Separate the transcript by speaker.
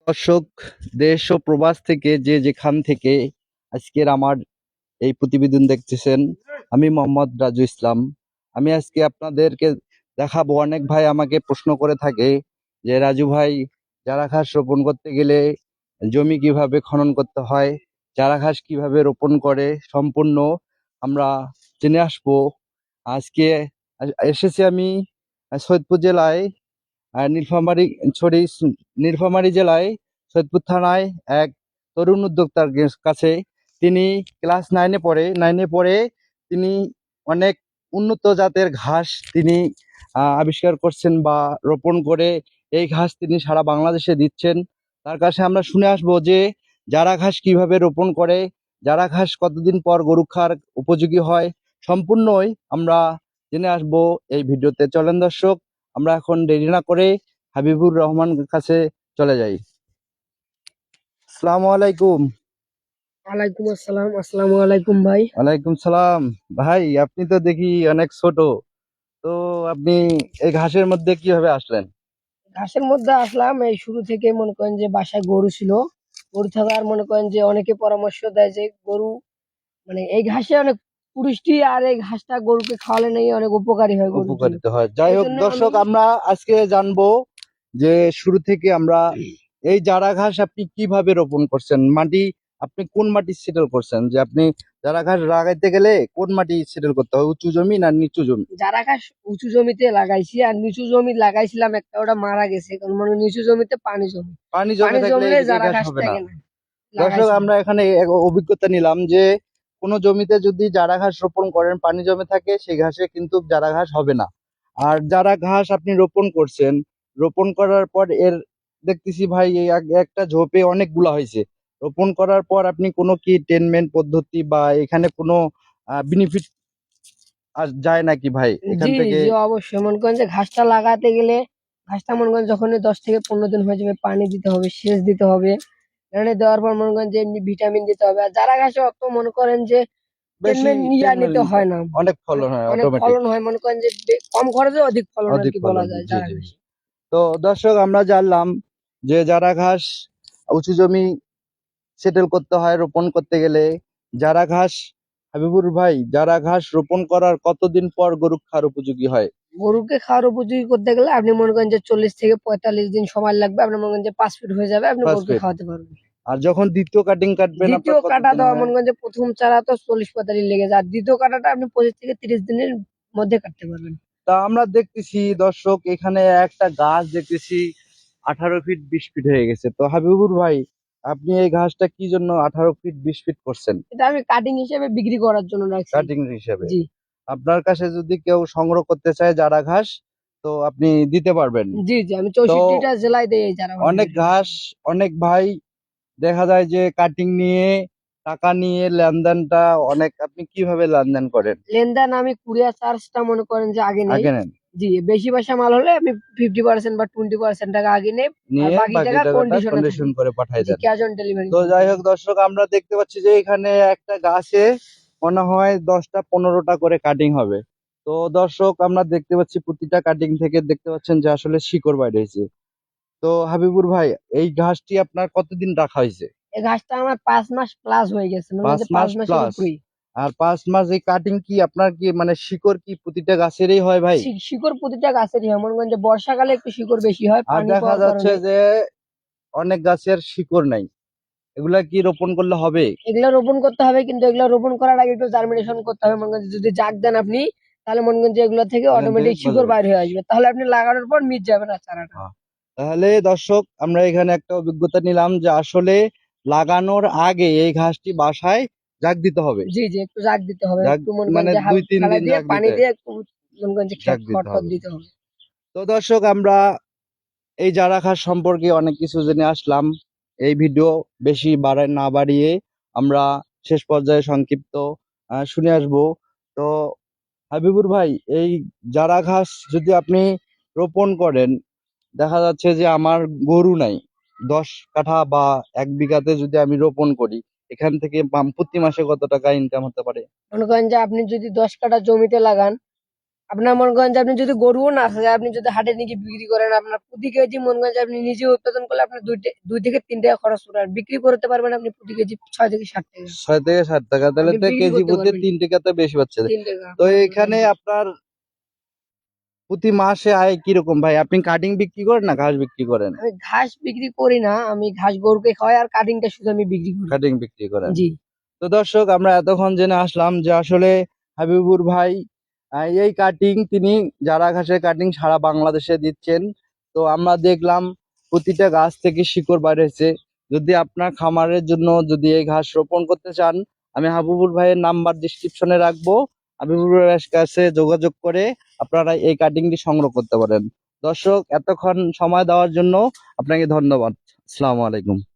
Speaker 1: দর্শক, দেশ ও প্রবাস থেকে যে যেখান থেকে আজকের আমার এই প্রতিবেদন দেখতেছেন, আমি মোহাম্মদ রাজু ইসলাম। আমি আজকে আপনাদেরকে দেখাবো। অনেক ভাই আমাকে প্রশ্ন করে থাকে যে রাজু ভাই, চারা ঘাস রোপণ করতে গেলে জমি কিভাবে খনন করতে হয়, চারা ঘাস কিভাবে রোপণ করে, সম্পূর্ণ আমরা জেনে আসবো। আজকে এসেছি আমি সৈয়দপুর জেলায়, নীলফামারী সরি নীলফামারী জেলায় সৈয়দপুর থানায় এক তরুণ উদ্যোক্তার কাছে। তিনি ক্লাস নাইনে পড়ে তিনি অনেক উন্নত জাতের ঘাস তিনি আবিষ্কার করছেন বা রোপণ করে এই ঘাস তিনি সারা বাংলাদেশে দিচ্ছেন। তার কাছে আমরা শুনে আসবো যে জারা ঘাস কিভাবে রোপণ করে, জারা ঘাস কতদিন পর গরু খাওয়ার উপযোগী হয়, সম্পূর্ণই আমরা জেনে আসবো এই ভিডিওতে। চলেন দর্শক, আমরা এখন দেরি না করে হাবিবুর রহমানের কাছে চলে যাই। আসসালামু আলাইকুম।
Speaker 2: ওয়ালাইকুম আসসালাম। আসসালামু আলাইকুম ভাই।
Speaker 1: ওয়ালাইকুম সালাম। ভাই, আপনি তো দেখি অনেক ছোট, তো আপনি এই ঘাসের মধ্যে কিভাবে আসলেন?
Speaker 2: ঘাসের মধ্যে আসলাম এই শুরু থেকে। মনে করেন যে বাসায় গরু ছিল, গরু থাকার মনে করেন যে অনেকে পরামর্শ দেয় যে গরু মানে এই ঘাসে অনেক পুষ্টি, আর এই ঘাসটা গরুকে খাওয়ালে নাকি অনেক উপকারী হয় গরুর জন্য।
Speaker 1: উপকারিত হয়। যাই
Speaker 2: এই
Speaker 1: হোক
Speaker 2: জন্য আমি
Speaker 1: দর্শক, আমরা আজকে জানবো যে শুরু থেকে আমরা এই জারা ঘাস আপনি কিভাবে রোপণ করছেন, মাটি আপনি কোন মাটি সেটেল করছেন, যে আপনি জারা ঘাস লাগাইতে গেলে কোন মাটি সেটেল করতে হয়, উঁচু জমি না নিচু জমি?
Speaker 2: চারা ঘাস উঁচু জমিতে লাগাইছি, আর নিচু জমি লাগাইছিলাম একটা, ওটা মারা গেছে। কারণ মানে নিচু জমিতে পানি জমে,
Speaker 1: পানি জমে
Speaker 2: পানি
Speaker 1: থাকলে
Speaker 2: জমলে
Speaker 1: এই
Speaker 2: চারা
Speaker 1: ঘাস
Speaker 2: ঘাস
Speaker 1: হবে না।
Speaker 2: থাকে না।
Speaker 1: দর্শক,
Speaker 2: লাগাইছিলাম।
Speaker 1: আমরা এখানে এক অভিজ্ঞতা নিলাম যে কোনো জমিতে যদি জারা ঘাস রোপণ করেন, পানি জমে থাকে, সেই ঘাসে কিন্তু জারা ঘাস হবে না। আর যারা ঘাস আপনি রোপণ করছেন, রোপণ করার পর এর দেখতেছি ভাই এই একটা ঝোপে অনেকগুলা হয়েছে। রোপণ করার পর আপনি কোনো কি ট্রিটমেন্ট পদ্ধতি বা এখানে কোনো বেনিফিট যায় নাকি ভাই এখান
Speaker 2: জি,
Speaker 1: থেকে?
Speaker 2: জি, অবশ্যই। মনে করেন যে ঘাসটা লাগাতে গেলে, ঘাসটা মনে করেন যখনই 10 থেকে 15 দিন হয়ে যাবে, পানি দিতে হবে, সেচ দিতে হবে। পানি দেওয়ার পর মনে করেন যে এমনি ভিটামিন দিতে হবে। আর চারা ঘাসে অত মনে করেন যে
Speaker 1: বেশি
Speaker 2: ট্রিটমেন্ট
Speaker 1: ট্রিটমেন্ট
Speaker 2: নিতে
Speaker 1: নিতে
Speaker 2: হয়
Speaker 1: হয়।
Speaker 2: না।
Speaker 1: অনেক ফলন হয়
Speaker 2: অনেক
Speaker 1: অটোমেটিক।
Speaker 2: ফলন হয়। মনে করেন যে কম খরচে অধিক ফলন
Speaker 1: অধিক
Speaker 2: আরকি বলা
Speaker 1: ফলন,
Speaker 2: যায়
Speaker 1: জি
Speaker 2: চারা
Speaker 1: জি জি।
Speaker 2: ঘাসে।
Speaker 1: তো দর্শক, আমরা জানলাম যে যারা ঘাস উঁচু জমি সেটেল করতে হয় রোপণ করতে গেলে। যারা ঘাস, হাবিবুর ভাই, যারা ঘাস রোপণ করার কতদিন পর গরু খাওয়ার উপযোগী হয়?
Speaker 2: গরুকে খাওয়ার উপযোগী করতে গেলে আপনি মনে করেন যে 40 থেকে 45 দিন সময় লাগবে। আপনি মনে করেন যে 5 ফিট হয়ে যাবে, আপনি গরুকে
Speaker 1: ফসফেট।
Speaker 2: খাওয়াতে পারবেন।
Speaker 1: আর যখন দ্বিতীয় কাটিং কাটবেন
Speaker 2: দ্বিতীয়
Speaker 1: আপনার
Speaker 2: কাটা
Speaker 1: কতদিন
Speaker 2: দেওয়া
Speaker 1: হয়?
Speaker 2: মনে করেন যে প্রথম চারা তো 40-45 লেগে যায়, আর দ্বিতীয় কাটাটা আপনি 25 থেকে 30 দিনের মধ্যে কাটতে পারবেন।
Speaker 1: তা আমরা দেখতেছি দর্শক, এখানে একটা গাছ দেখতেছি 18 ফিট 20 ফিট হয়ে গেছে। তো হাবিবুর ভাই, আপনি এই ঘাসটা কি জন্য 18 ফিট 20 ফিট করছেন?
Speaker 2: এটা আমি কাটিং হিসেবে বিক্রি করার জন্য রাখছি।
Speaker 1: কাটিং হিসেবে।
Speaker 2: জি,
Speaker 1: আপনার কাছে যদি কেউ সংগ্রহ করতে চায় যারা ঘাস, তো আপনি দিতে পারবেন।
Speaker 2: জি, জি, আমি
Speaker 1: তো
Speaker 2: 64টা জেলায় দেই এই চারা
Speaker 1: অনেক
Speaker 2: ভাষা।
Speaker 1: ঘাস, অনেক ভাই দেখা যায় যে কাটিং নিয়ে টাকা নিয়ে লেনদেনটা অনেক, আপনি কিভাবে লেনদেন করেন?
Speaker 2: লেনদেন আমি কুরিয়ার চার্জটা মনে করেন যে আগে নেই।
Speaker 1: আগে নেন,
Speaker 2: জি, বেশি পয়সা মাল হলে আমি 50% বা 20% টাকা আগে নেই, আর
Speaker 1: নিয়ে
Speaker 2: বাকি
Speaker 1: বাকি
Speaker 2: টাকা
Speaker 1: টাকাটা
Speaker 2: কন্ডিশনে
Speaker 1: কন্ডিশন
Speaker 2: থাকে।
Speaker 1: করে পাঠাই
Speaker 2: জি,
Speaker 1: দেন।
Speaker 2: ক্যাশ অন ডেলিভারি
Speaker 1: তো
Speaker 2: থাকে।
Speaker 1: যাই হোক দর্শক, আমরা দেখতে পাচ্ছি যে এখানে একটা গাছে মনে হয় 10টা 15টা করে কাটিং হবে। তো দর্শক, আমরা দেখতে পাচ্ছি প্রতিটা কাটিং থেকে দেখতে পাচ্ছেন যে আসলে শিকড় বাইর হয়েছে। তো হাবিবুর ভাই, এই ঘাসটি আপনার কতদিন রাখা হয়েছে?
Speaker 2: এই ঘাসটা আমার 5 মাস প্লাস হয়ে গেছে। মনে করেন
Speaker 1: পাঁচ
Speaker 2: যে 5
Speaker 1: মাস
Speaker 2: মাসের
Speaker 1: প্লাস
Speaker 2: উপরেই।
Speaker 1: আর 5 মাস এই কাটিং কি আপনার কি মানে শিকড় কি প্রতিটা গাছেরই হয় ভাই?
Speaker 2: শিকড় প্রতিটা গাছেরই হয়। মনে করেন যে বর্ষাকালে একটু শিকড় বেশি হয়
Speaker 1: আর
Speaker 2: পানি
Speaker 1: দেখা
Speaker 2: পাওয়ার
Speaker 1: যাচ্ছে
Speaker 2: কারণে।
Speaker 1: যে অনেক গাছের শিকড় নাই, এগুলা কি রোপণ করলে হবে?
Speaker 2: এগুলা রোপণ করতে হবে, কিন্তু এগুলা রোপণ করার আগে একটু জার্মিনেশন করতে হবে। মনে করেন যে যদি জাগ দেন আপনি, তাহলে মনে করেন যে এগুলা থেকে
Speaker 1: এখান থেকে
Speaker 2: অটোমেটিক শিকড়
Speaker 1: গজাবে।
Speaker 2: বাইর হয়ে আসবে। তাহলে আপনি লাগানোর পর মিট যাবে না চারাটা।
Speaker 1: হ্যাঁ। তাহলে দর্শক, আমরা এখানে একটা অভিজ্ঞতা নিলাম যে আসলে লাগানোর আগে এই ঘাসটি বাসায় জাগ দিতে হবে।
Speaker 2: জি, জি, একটু জাগ দিতে হবে।
Speaker 1: জাগ
Speaker 2: একটু মনে করেন
Speaker 1: মানে
Speaker 2: যে
Speaker 1: দুই তিন
Speaker 2: ফেলাই
Speaker 1: দিন
Speaker 2: দিয়ে
Speaker 1: জাগ
Speaker 2: পানি
Speaker 1: দিতে,
Speaker 2: দিয়ে একটু মনে করেন যে
Speaker 1: জাগ দিতে
Speaker 2: খড়-টড়
Speaker 1: হবে।
Speaker 2: দিতে হবে।
Speaker 1: তো দর্শক, আমরা এই জারা ঘাস সম্পর্কে অনেক কিছু জেনে আসলাম। এই ভিডিও বেশি না বাড়িয়ে আমরা শেষ পর্যায়ে সংক্ষিপ্ত শুনে আসব। তো হাবিবুর ভাই, এই জারা ঘাস যদি আপনি রোপণ করেন, দেখা যাচ্ছে যে আমার গরু নাই, 10 কাঠা বা 1 বিঘাতে যদি আমি রোপণ করি, এখান থেকে প্রতি মাসে কত টাকা ইনকাম হতে পারে?
Speaker 2: মনে করেন যে আপনি যদি 10 কাঠা জমিতে লাগান, আপনার মনে করেন যে আপনি যদি গরুও না থাকে, আপনি যদি হাটে নিয়ে বিক্রি করেন, আপনার প্রতি কেজি মনে করেন যে আপনি নিজে উৎপাদন করলে আপনার 2 থেকে 3 টাকা খরচ করে, আর বিক্রি করতে পারবেন আপনি প্রতি কেজি 6 থেকে 7 টাকা।
Speaker 1: 6 থেকে 7 টাকা, তাহলে
Speaker 2: আপনি
Speaker 1: তো
Speaker 2: বিক্রি
Speaker 1: কেজি
Speaker 2: করতে
Speaker 1: প্রতি
Speaker 2: পারবেন
Speaker 1: 3 টাকাতে বেশি পাচ্ছে।
Speaker 2: 3 টাকা।
Speaker 1: তো এখানে আপনার প্রতি মাসে আয় কিরকম ভাই? আপনি কাটিং বিক্রি করেন না ঘাস বিক্রি করেন?
Speaker 2: আমি ঘাস বিক্রি করি না, আমি ঘাস গরুকে খাওয়াই, আর কাটিংটা শুধু আমি বিক্রি করি।
Speaker 1: কাটিং বিক্রি করেন।
Speaker 2: জি।
Speaker 1: তো দর্শক, আমরা এতক্ষণ জেনে আসলাম যে আসলে হাবিবুর ভাই এই কাটিং তিনি যারা ঘাসের কাটিং সারা বাংলাদেশে দিচ্ছেন। তো আমরা দেখলাম প্রতিটা গাছ থেকে শিকড় বার হয়েছে। যদি আপনার খামারের জন্য যদি এই ঘাস রোপণ করতে চান, আমি হাবিবুর ভাইয়ের নাম্বার ডিসক্রিপশনে রাখবো। হাবিবুর ভাইয়ের কাছে যোগাযোগ করে আপনারা এই কাটিংটি সংগ্রহ করতে পারেন। দর্শক, এতক্ষণ সময় দেওয়ার জন্য আপনাকে ধন্যবাদ। আসসালামু আলাইকুম।